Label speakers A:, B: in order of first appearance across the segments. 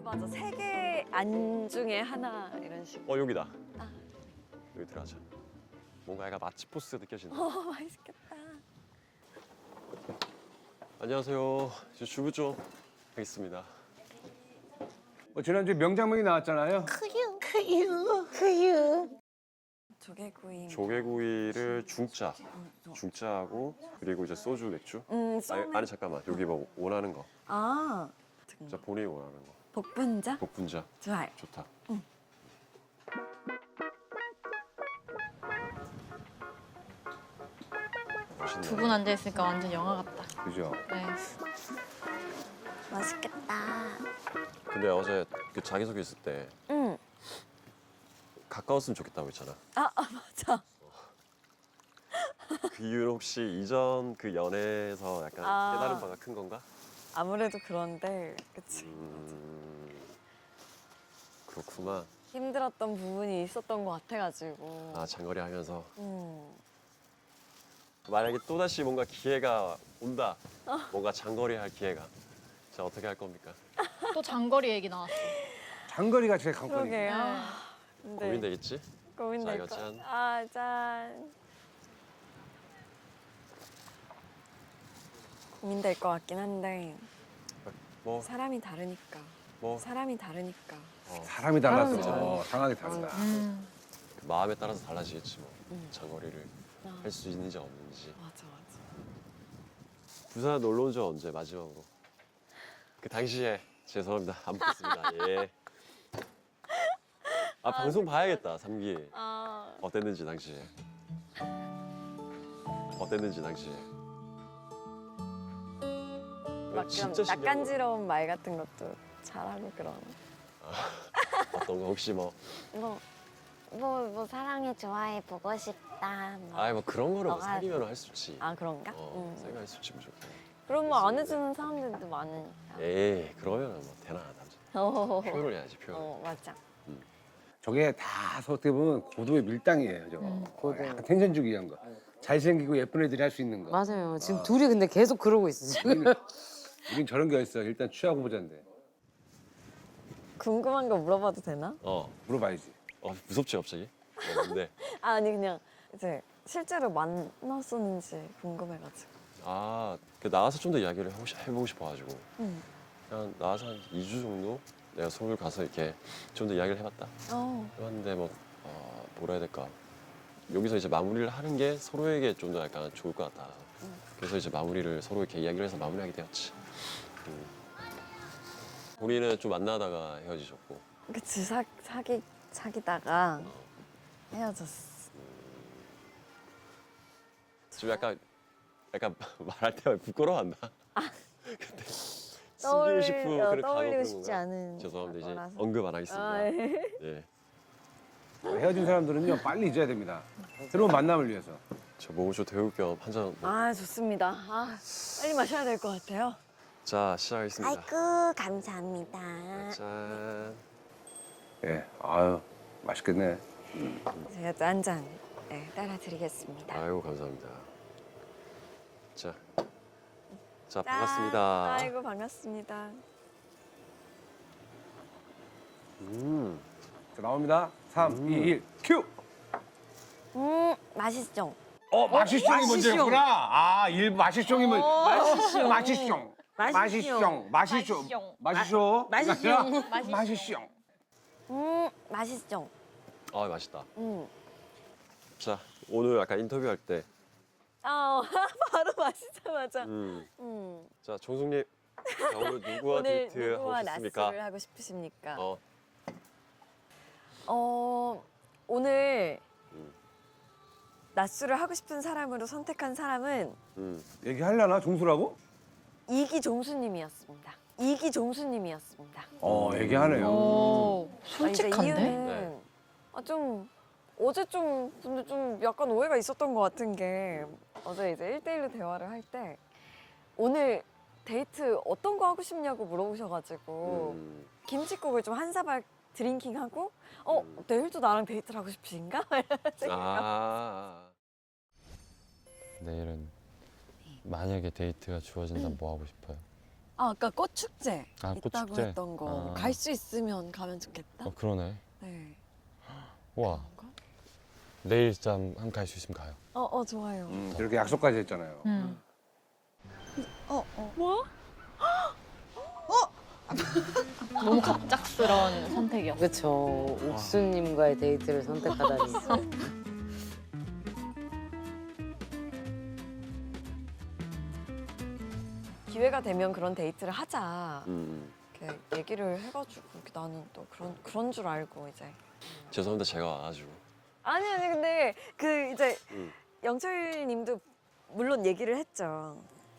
A: 맞아. 세 개 안 중에 하나 이런 식.
B: 여기다.
A: 아.
B: 여기 들어가자. 뭔가 약간 맛집 포스 느껴진다.
A: 맛있겠다.
B: 안녕하세요. 저 주부 좀 하겠습니다.
C: 지난주에 명장면이 나왔잖아요.
A: 조개구이.
B: 조개구이를 중짜하고 그리고 이제 소주 맥주.
A: 소맥.
B: 아니 잠깐만 여기 뭐 원하는 거.
A: 아.
B: 진짜 본인이 원하는 거.
A: 복분자?
B: 복분자.
A: 좋아요.
B: 좋다. 맛있네.
D: 두 분 앉아 있으니까 완전 영화 같다.
C: 그죠?
D: 네.
A: 맛있겠다.
B: 근데 어제 그 자기소개 있을 때
A: 응.
B: 가까웠으면 좋겠다고 했잖아.
A: 맞아.
B: 그 이유는 혹시 이전 그 연애에서 약간
A: 아.
B: 깨달은 바가 큰 건가?
A: 아무래도 그런데, 그치.
B: 그렇구만.
A: 힘들었던 부분이 있었던 것 같아가지고.
B: 아 장거리 하면서
A: 음.
B: 만약에 또다시 뭔가 기회가 온다. 뭔가 장거리 할 기회가. 자 어떻게 할 겁니까?
D: 또 장거리 얘기 나왔어.
C: 장거리가 제일 관건이에요.
A: 그러게요.
D: 네.
A: 근데
B: 고민되겠지?
A: 고민될
B: 자,
A: 것.
B: 이거 짠.
A: 아, 짠. 고민될 것 같긴 한데
B: 뭐
A: 사람이 다르니까.
B: 뭐.
A: 사람이 다르니까.
C: 사람이 달라서
D: 다르죠.
C: 상황이 다르다.
B: 그 마음에 따라서 달라지겠지 뭐. 장거리를
A: 아,
B: 할 수 있는지 없는지.
A: 맞아, 맞아.
B: 부산 놀러 온 적 언제 마지막으로? 그 당시에 죄송합니다 안 봤습니다. 예. 방송 봐야겠다 3기.
A: 아,
B: 어땠는지 당시에. 어땠는지 당시에.
A: 막 그런 낯간지러운 말 같은 것도 잘하고 그런.
B: 어떤 거 혹시 뭐.
E: 뭐 사랑해 좋아해 보고 싶다.
B: 뭐 그런 거를 뭐
E: 너가-
B: 사귀면 할 수 있지.
A: 아, 그런가?
B: 사귀면 할 수 있지 무조건.
A: 그럼 뭐 안 해주는 사람들도 많으니까.
B: 에이 그러면 뭐 되나 남자.
A: 어,
B: 표현을 해야지 표현.
A: 맞아.
C: 저게 다 어떻게 보면 고도의 밀당이에요. 저거. 약간 텐션 주기 위한 거. 잘생기고 예쁜 애들이 할 수 있는 거.
F: 맞아요. 지금 둘이 근데 계속 그러고 있어 지금.
C: 우린 저런 게 있어. 일단 취하고 보자인데.
A: 궁금한 거 물어봐도 되나?
C: 물어봐야지.
B: 무섭지 갑자기? 근데
A: 아니 그냥 이제 실제로 만났었는지 궁금해가지고.
B: 그 나와서 좀 더 이야기를 해보고 싶어가지고
A: 응.
B: 그냥 나와서 한 2주 정도 내가 서울 가서 이렇게 좀 더 이야기를 해봤다. 해봤는데 뭐 뭐라 해야 될까? 여기서 이제 마무리를 하는 게 서로에게 좀 더 약간 좋을 것 같다. 그래서 이제 마무리를 서로 이렇게 이야기를 해서 마무리하게 되었지. 우리는 좀 만나다가 헤어지셨고.
A: 그치 사귀다가 헤어졌어.
B: 지금 약간 말할 때 부끄러워한다. 근데 숨기고 싶은 그런
A: 떠올리고 싶지
B: 건가?
A: 않은
B: 죄송합니다. 이제
A: 거라서.
B: 언급 안 하겠습니다.
A: 아, 예.
B: 예.
C: 헤어진 사람들은요 빨리 잊어야 됩니다. 새로운 만남을 위해서.
B: 저 몸을 좀 데울 겸 한 잔.
A: 아 좋습니다. 빨리 마셔야 될 것 같아요.
B: 자 시작하겠습니다.
E: 아이고 감사합니다.
B: 짠.
C: 예. 아유 맛있겠네.
A: 제가 또 한 잔 따라 드리겠습니다.
B: 아이고 감사합니다. 자
A: 짠.
B: 반갑습니다.
A: 아이고 반갑습니다.
C: 자, 나옵니다. 3, 2, 1, 큐!
A: 맛있죠?
C: 마시숑이 먼저였구나. 마시숑이 먼저. 마시숑. 마시숑. 마시숑. 마시숑.
A: 맛있죠?
B: 맛있다. 자 오늘 약간 인터뷰할 때.
A: 바로 마시자마자.
B: 자 정숙님. 자, 오늘 누구와
A: 오늘
B: 데이트
A: 누구와
B: 하고 싶습니까?
A: 낮술을 하고 싶으십니까?
B: 어.
A: 오늘 낮술을 하고 싶은 사람으로 선택한 사람은
C: 얘기하려나? 종수라고?
A: 이기종수님이었습니다. 이기종수님이었습니다.
C: 얘기하네요.
D: 오,
A: 이제
D: 솔직한데?
A: 이유는
B: 네.
A: 어제 근데 좀 약간 오해가 있었던 것 같은 게 어제 이제 1대1로 대화를 할 때 오늘 데이트 어떤 거 하고 싶냐고 물어보셔가지고 김치국을 좀 한 사발 드링킹하고 내일도 나랑 데이트를 하고 싶으신가?
G: 내일은 만약에 데이트가 주어진다면 뭐 하고 싶어요?
A: 아까 꽃 축제
G: 아, 꽃
A: 있다고
G: 축제?
A: 했던 거
G: 아.
A: 갈 수 있으면 가면 좋겠다.
G: 그러네.
A: 네.
G: 우와. 내일 한번 갈 수 있으면 가요.
A: 좋아요.
C: 저렇게 약속까지 했잖아요.
A: 뭐?
D: 너무 갑작스러운 선택이었어.
F: 그쵸. 옥수님과의 데이트를 선택하다니.
A: 기회가 되면 그런 데이트를 하자.
B: 음.
A: 이렇게 얘기를 해가지고 이렇게 나는 또 그런 줄 알고 이제.
B: 죄송합니다. 제가 와가지고.
A: 아니 근데 그 이제
B: 음.
A: 영철님도 물론 얘기를 했죠.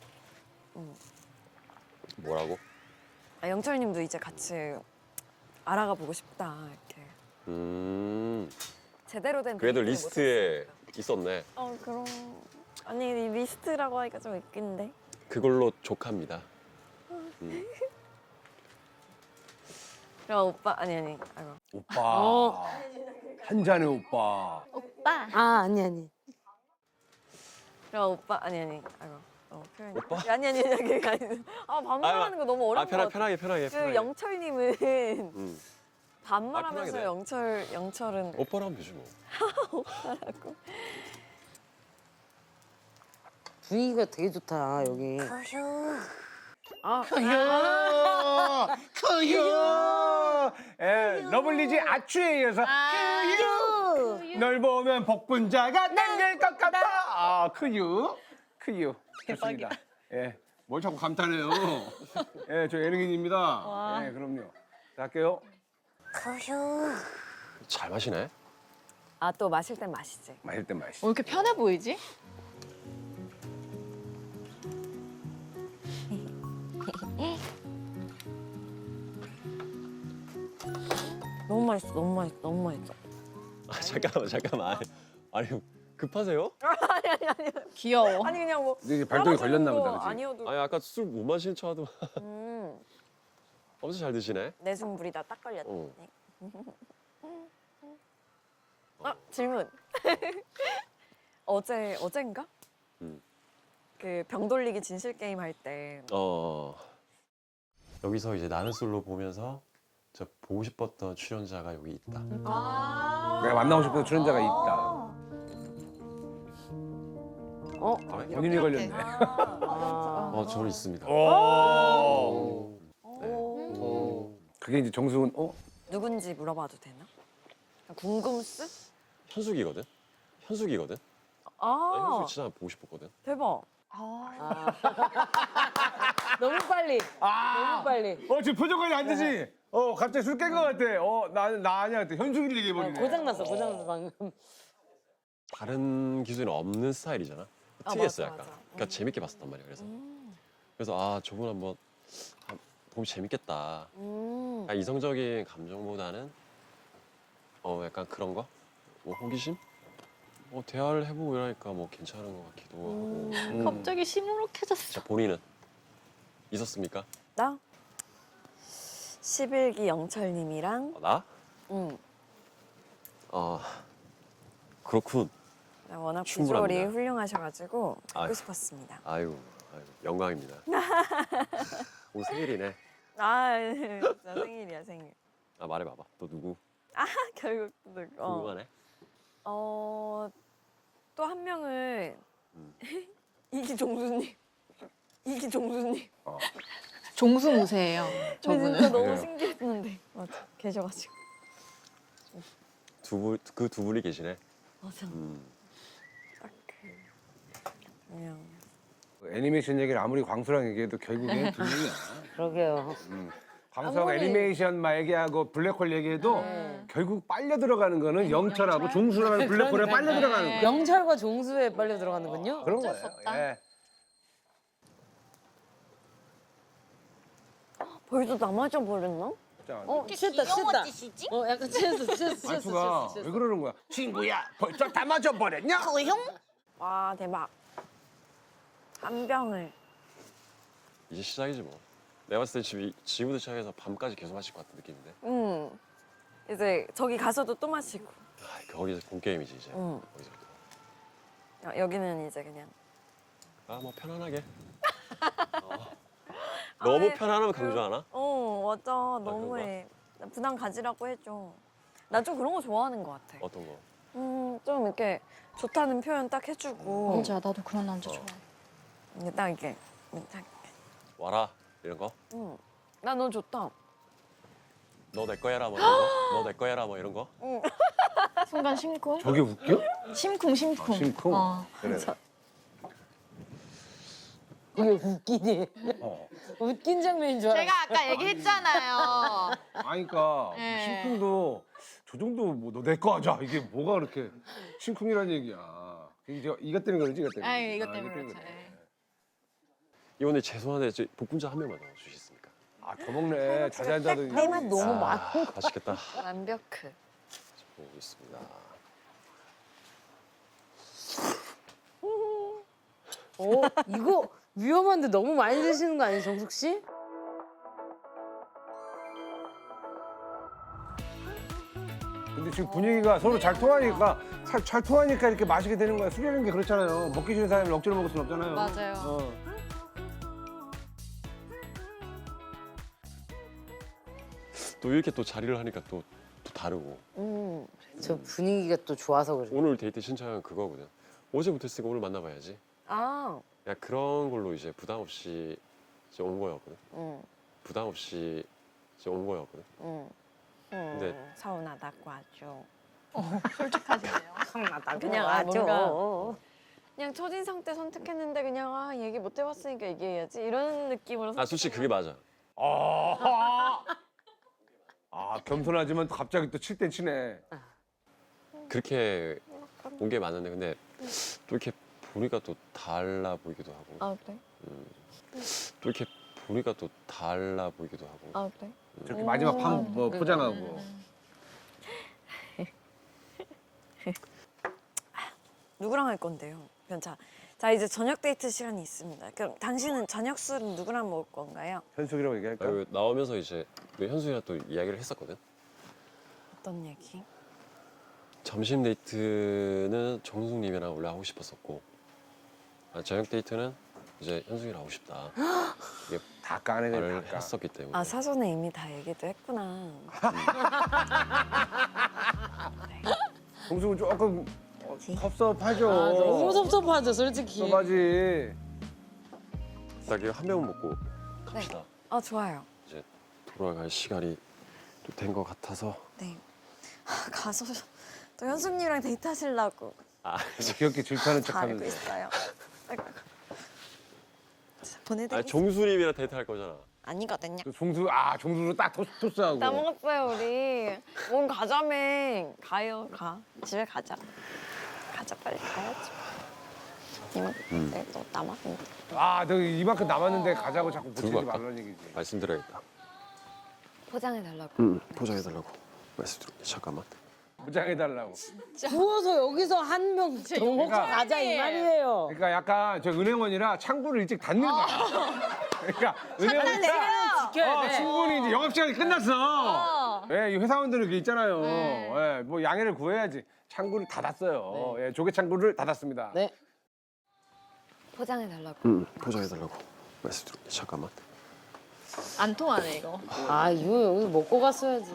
B: 뭐라고?
A: 영철님도 이제 같이 알아가 보고 싶다 이렇게. 제대로 된
B: 그래도
A: 데이트를
B: 리스트에 있었네.
A: 그럼 아니 이 리스트라고 하기가 좀 웃긴데.
B: 그걸로 족합니다.
A: 그럼 오빠 아니 아이고.
C: 오빠. 한 잔의 오빠.
E: 오빠.
F: 아, 아니.
A: 그럼 오빠 아니 아이고. 표현이.
B: 오빠?
A: 아니 그게 아니고. 반말하는 거 너무 어려운 것 같아.
B: 편하게.
A: 그 영철님은
B: 음.
A: 반말하면서
B: 편하게
A: 영철은
B: 오빠로 하면 되지 뭐.
F: 분위기가 되게 좋다, 여기.
C: 크유. 예, 러블리즈 아추에 이어서 크유. 널 보면 복분자가 땡길 것 같아. 아, 크유. 좋습니다. 예, 뭘 자꾸 감탄해요. 예, 저 예능인입니다. 예, 그럼요. 자, 할게요.
B: 잘 마시네.
A: 또 마실 땐 마시지.
C: 마실 땐 마시.
D: 왜 이렇게 편해 보이지?
A: 너무 맛있어.
B: 잠깐만. 아니 급하세요?
D: 귀여워.
A: 아니 그냥 뭐
C: 근데 이제 발동이 걸렸나 보다, 그치?
A: 아니어도
B: 아니 아까 술 못 마시는 척하더만.
A: 음,
B: 엄청 잘 드시네.
A: 내숭불이 다 딱 걸렸네.
B: 어.
A: 질문. 어젠가?
B: 음.
A: 그 병 돌리기 진실 게임 할 때
B: 여기서 이제 나는 솔로 보면서 저 보고 싶었던 출연자가 여기 있다.
C: 내가 만나고 싶은 출연자가 있다. 본인이 걸렸네.
B: 저는 있습니다.
C: 오.
B: 네.
C: 그게 이제 정수훈,
A: 누군지 물어봐도 되나? 궁금스?
B: 현숙이거든. 나
A: 아
B: 현숙이 진짜 보고 싶었거든.
A: 대박.
F: 너무 빨리. 너무 빨리.
C: 지금 표정 관리 안 되지? 갑자기 술 깬 것 같아. 나 아니야. 현숙이를 얘기해버리네.
F: 고장났어, 방금.
B: 다른 기술은 없는 스타일이잖아. 특이했어
A: 맞아,
B: 약간.
A: 맞아.
B: 그러니까 재밌게 봤었단 말이야. 그래서 저분 한번 보면 재밌겠다. 그러니까 이성적인 감정보다는 약간 그런 거? 뭐 호기심? 대화를 해보고 이러니까 뭐 괜찮은 것 같기도 하고.
D: 갑자기 시무룩해졌어.
B: 자, 본인은 있었습니까?
A: 나 11기 영철님이랑
B: 나? 그렇군.
A: 워낙
B: 충분합니다.
A: 비주얼이 훌륭하셔가지고 뵙고
B: 아유.
A: 싶었습니다.
B: 아이고 영광입니다. 오늘 생일이네.
A: 진짜 생일이야 생일.
B: 말해봐봐. 너 누구?
A: 결국
B: 궁금하네.
A: 또 한 명은
B: 음.
A: 이기종수님.
D: 종수무새예요.
A: 근데
D: 저분은.
A: 진짜 너무
C: 맞아요.
A: 신기했는데 맞아 계셔가지고
B: 그 두 분이 계시네.
A: 맞아 딱 그냥
C: 애니메이션 얘기를 아무리 광수랑 얘기해도 결국엔 두 명이야.
F: 그러게요.
C: 광수하고
A: 아무리-
C: 애니메이션 막 얘기하고 블랙홀 얘기해도 결국 빨려 들어가는 거는 영철하고 종수라는 블랙홀에 빨려 들어가는 거야.
F: 영철과 종수에 빨려 들어가는군요.
C: 그런
D: 어쩔
C: 거예요.
D: 수 없다.
C: 예.
A: 벌써 다 맞아버렸나?
C: 자,
F: 취했다. 약간 취했어.
C: 말투가 왜 그러는 거야? 친구야, 벌써 다 맞아버렸냐?
A: 와 대박 한 병을
B: 이제 시작이지 뭐. 내가 봤을 때 지금부터 시작해서 밤까지 계속 마실 것 같은 느낌인데.
A: 이제 저기 가서도 또 마시고
B: 거기서 본 게임이지 이제.
A: 응.
B: 거기서부터.
A: 여기는 이제 그냥
B: 뭐 편안하게. 너무
A: 아이,
B: 편안하면 강조하나?
A: 맞아. 너무해. 나 부담 가지라고 해줘. 나 좀 그런 거 좋아하는 것 같아.
B: 어떤 거?
A: 좀 이렇게 좋다는 표현 딱 해주고.
D: 맞아, 나도 그런 남자 좋아해.
A: 이게 딱 이게. 딱,
B: 와라 이런 거?
A: 나 너 좋다.
B: 너 내 거야라 뭐 이런 거? 너 내 거야라 뭐 이런 거?
D: 순간 심쿵?
C: 저게 웃겨?
D: 심쿵, 심쿵.
C: 심쿵.
D: 어.
C: 그래.
F: 이게 웃기니.
C: 어.
F: 웃긴 장면인 줄 알았어.
D: 제가 아까 얘기했잖아요.
C: 아니까
D: 네.
C: 심쿵도 저 정도 뭐 너 내 거 하자 이게 뭐가 그렇게 심쿵이란 얘기야. 이제 이것 때문에 그러지 이것 때문에.
D: 아, 이것 때문에
C: 이것
D: 그렇죠.
C: 그래.
B: 이번에 죄송한데 복분자 한 명만 더 주시겠습니까?
C: 아, 더 먹네. 자세한 자도.
F: 때만 너무 많아.
B: 맛있겠다.
A: 완벽해.
B: 보고 있습니다.
F: 이거 위험한데 너무 많이 드시는 거 아니에요, 정숙 씨?
C: 근데 지금 분위기가 서로 잘 통하니까 잘 통하니까 이렇게 마시게 되는 거야. 술이라는 게 그렇잖아요. 먹기 싫은 사람이 억지로 먹을 순 없잖아요.
D: 맞아요.
C: 어.
B: 또 이렇게 또 자리를 하니까 또 다르고.
F: 저 분위기가 또 좋아서 그래.
B: 오늘 데이트 신청은 그거거든. 어제부터 했으니까 오늘 만나봐야지.
A: 아,
B: 야 그런 걸로 이제 부담 없이 이제 온 거였거든.
A: 응,
B: 부담 없이 이제 온 거였거든.
A: 응.
B: 근데-
A: 서운하다고 하죠.
D: 솔직하시네요.
A: 그냥 뭔가 그냥 첫인상 때 선택했는데 그냥 얘기 못 해봤으니까 얘기해야지 이런 느낌으로.
B: 아 솔직히 그게 맞아.
C: 겸손하지만 또 갑자기 또 칠 땐 치네.
B: 그렇게 온 게 맞는데 근데 또 이렇게 보니까 또 달라 보이기도 하고.
A: 아 그래?
B: 또 이렇게 보니까 또 달라 보이기도 하고.
A: 아 그래?
C: 저렇게 마지막 뭐 포장하고.
A: 누구랑 할 건데요? 그럼 자 이제 저녁 데이트 시간이 있습니다. 그럼 당신은 저녁 술은 누구랑 먹을 건가요?
C: 현숙이라고 얘기할까?
B: 아니, 나오면서 이제 우리 현수이랑 또 이야기를 했었거든.
A: 어떤 얘기?
B: 점심 데이트는 정숙님이랑 원래 하고 싶었었고, 저녁 데이트는 이제 현숙이랑 하고 싶다. 이게
C: 다 까내네,
B: 말을
C: 다 까.
B: 했었기 때문에.
A: 아 사전에 이미 다 얘기도 했구나.
C: 동숙은 조금 섭섭하죠.
F: 아, 너무 섭섭하죠, 솔직히.
C: 섭섭하지.
B: 딱 이거 한 병 먹고 갑시다.
A: 아 좋아요.
B: 이제 돌아갈 시간이 또 된 것 같아서.
A: 네. 가서 또 현숙님이랑 데이트 하시려고
B: 아,
C: 귀엽게 질투하는
A: 다 알고
C: 척하면서.
A: 있어요. 아이고. 자,
B: 아니,
A: 보내드리겠습니다.
B: 정수님이랑 데이트 할 거잖아.
A: 아니거든요.
C: 종수로 딱 토스하고.
A: 다 먹었어요 우리. 뭔 가자매. 가요 가. 집에 가자. 가자 빨리 가야지. 이만 또 남았는데.
C: 너 이만큼 남았는데 가자고 자꾸 붙이지
B: 들고 갈까?
C: 말라는 얘기지.
B: 말씀드려야겠다.
A: 포장해 달라고.
B: 포장해달라고. 말씀드릴게. 잠깐만.
C: 포장해달라고.
F: 부어서 여기서 한 명 더 먹고 가자 이 말이에요.
C: 그러니까 약간 저 은행원이라 창구를 일찍 닫는 거야. 그러니까 은행원이라
F: 지켜야 돼.
C: 충분히 이제 영업시간이 끝났어. 이 회사원들은 그게 있잖아요. 뭐 양해를 구해야지. 창구를 닫았어요. 조개 창구를 닫았습니다.
F: 네.
A: 포장해 달라고.
B: 포장해달라고. 말씀드릴게. 잠깐만.
D: 안 통하네, 이거.
F: 아, 이거 여기 먹고 갔어야지.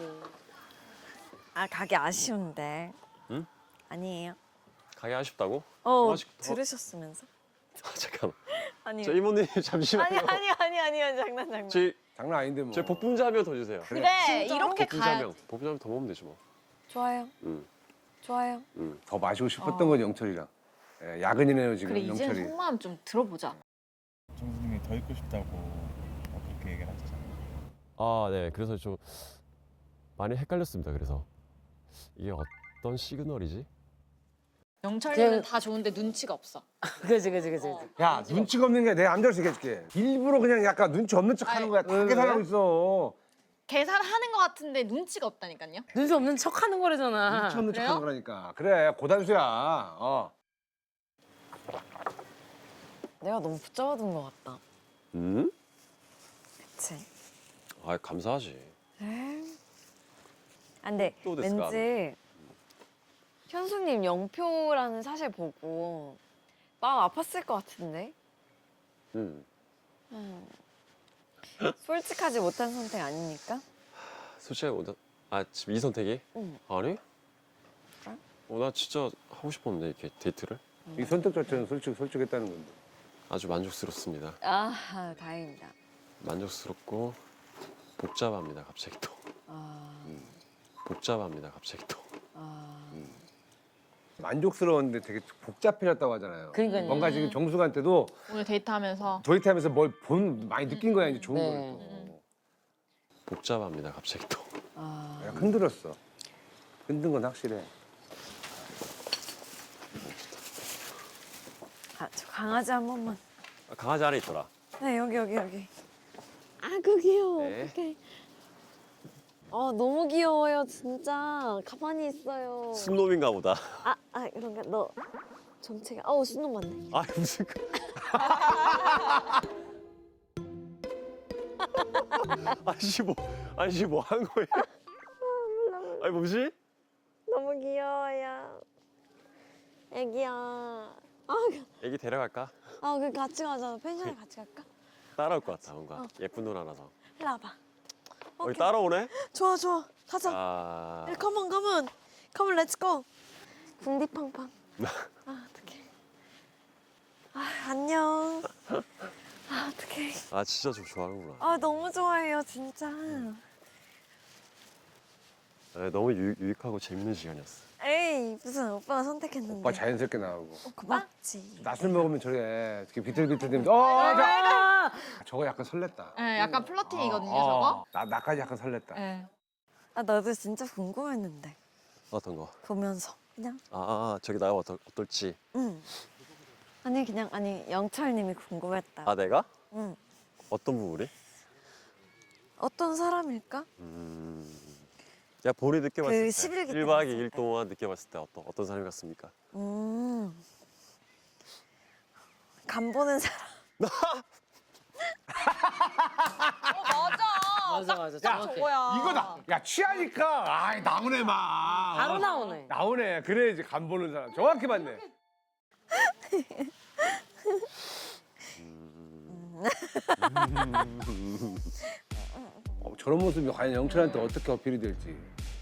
A: 아 가기 아쉬운데.
B: 응?
A: 아니에요.
B: 가기 아쉽다고? 아직 더-
A: 들으셨으면서.
B: 잠깐만.
A: 아니요.
B: 저 이모님 잠시만요.
A: 아니 장난.
C: 장난 아닌데 뭐.
B: 제 복분자 한 명 더 주세요.
D: 그래, 이렇게
B: 복분자
D: 가야
B: 한 명. 복분자 한 명 더 먹으면 되지 뭐.
A: 좋아요.
B: 응.
A: 좋아요.
B: 응.
C: 더 마시고 싶었던 건 영철이랑. 야근이네요 지금
D: 그래, 이제는
C: 영철이.
D: 속마음 좀 들어보자.
G: 정수님이 더 있고 싶다고 그렇게 얘기를 하셨잖아요.
B: 아, 네. 그래서 좀 많이 헷갈렸습니다. 그래서 이게 어떤 시그널이지?
D: 영철이는
F: 그냥-
D: 다 좋은데 눈치가 없어.
F: 그지.
C: 야 눈치가 없는 게 내가 암자로 얘기해줄게. 일부러 그냥 약간 눈치 없는 척 하는 거야. 다
F: 왜
C: 계산하고
F: 그래?
C: 있어.
D: 계산하는 것 같은데 눈치가 없다니까요.
F: 눈치 없는 척 하는 거래잖아.
C: 눈치 없는 척
D: 그래요?
C: 하는 거라니까. 그래 고단수야.
A: 내가 너무 붙잡아둔 것 같다.
B: 응?
A: 그치?
B: 아, 감사하지.
A: 아, 근데
B: 또 됐을까?
A: 왠지 현숙님 영표라는 사실 보고 마음 아팠을 것 같은데.
B: 응.
A: 솔직하지 못한 선택 아닙니까?
B: 솔직히 지금 이 선택이?
A: 응.
B: 아니?
A: 그래?
B: 나 진짜 하고 싶었는데 이렇게 데이트를
C: 이 선택 자체는 솔직했다는 건데.
B: 아주 만족스럽습니다.
A: 아, 다행입니다.
B: 만족스럽고 복잡합니다. 갑자기 또 복잡합니다. 갑자기 또.
C: 만족스러웠는데 되게 복잡해졌다고 하잖아요.
F: 그러니까요.
C: 뭔가 지금 정숙한테도
D: 오늘 데이트하면서
C: 데이트하면서 뭘 많이 느낀 거야 이제 좋은
F: 네.
C: 걸 또.
B: 복잡합니다. 갑자기 또.
C: 야, 흔들었어. 흔든 건 확실해.
A: 저 강아지 한 번만.
B: 강아지 안에 있더라.
A: 네, 여기.
E: 아그 귀여워.
B: 네.
E: 어떡해. 너무 귀여워요 진짜. 가만히 있어요.
B: 순놈인가 보다.
E: 그런가 너 정체가 순놈 맞네.
B: 아 무슨 아니 뭐 한 거예요? 아니 뭐지?
E: 너무 귀여워요. 애기야.
B: 애기 데려갈까?
E: 그 같이 가자. 펜션에 같이 갈까?
B: 따라올 것 같아 뭔가 예쁜 누나라서.
E: 일로 와봐.
B: 여기 따라오네?
E: 좋아 가자.
B: 아
E: 컴온 렛츠고. 궁디팡팡. 어떡해. 안녕. 어떡해.
B: 진짜 좀 좋아하는구나.
A: 너무 좋아해요, 진짜.
B: 네, 너무 유익하고 재밌는 시간이었어.
A: 에이, 무슨 오빠가 선택했는데.
C: 오빠 자연스럽게 나오고.
A: 고맙지.
C: 낯을 먹으면 저래 이렇게 비틀비틀대면서 저거 약간 설렜다.
D: 네, 약간 플러팅이거든요, 저거.
C: 나까지 약간 설렜다.
D: 네.
A: 나도 진짜 궁금했는데.
B: 어떤 거?
A: 보면서. 그냥.
B: 저기 나가면 어떨지.
A: 응. 아니, 영철님이 궁금했다.
B: 내가?
A: 응.
B: 어떤 부분이?
A: 어떤 사람일까?
B: 야 본이 느껴봤을 때
A: 11기 때
B: 1박
A: 봤을
B: 2일
A: 때.
B: 동안 느껴봤을 때 어떤 사람이 같습니까?
A: 간 보는 사람.
F: 맞아. 정확해.
C: 이거다. 야 취하니까 나오네 막.
F: 바로 나오네.
C: 나오네. 그래 이제 간 보는 사람. 정확히 맞네. 저런 모습이 과연 영철한테 어떻게 어필이 될지.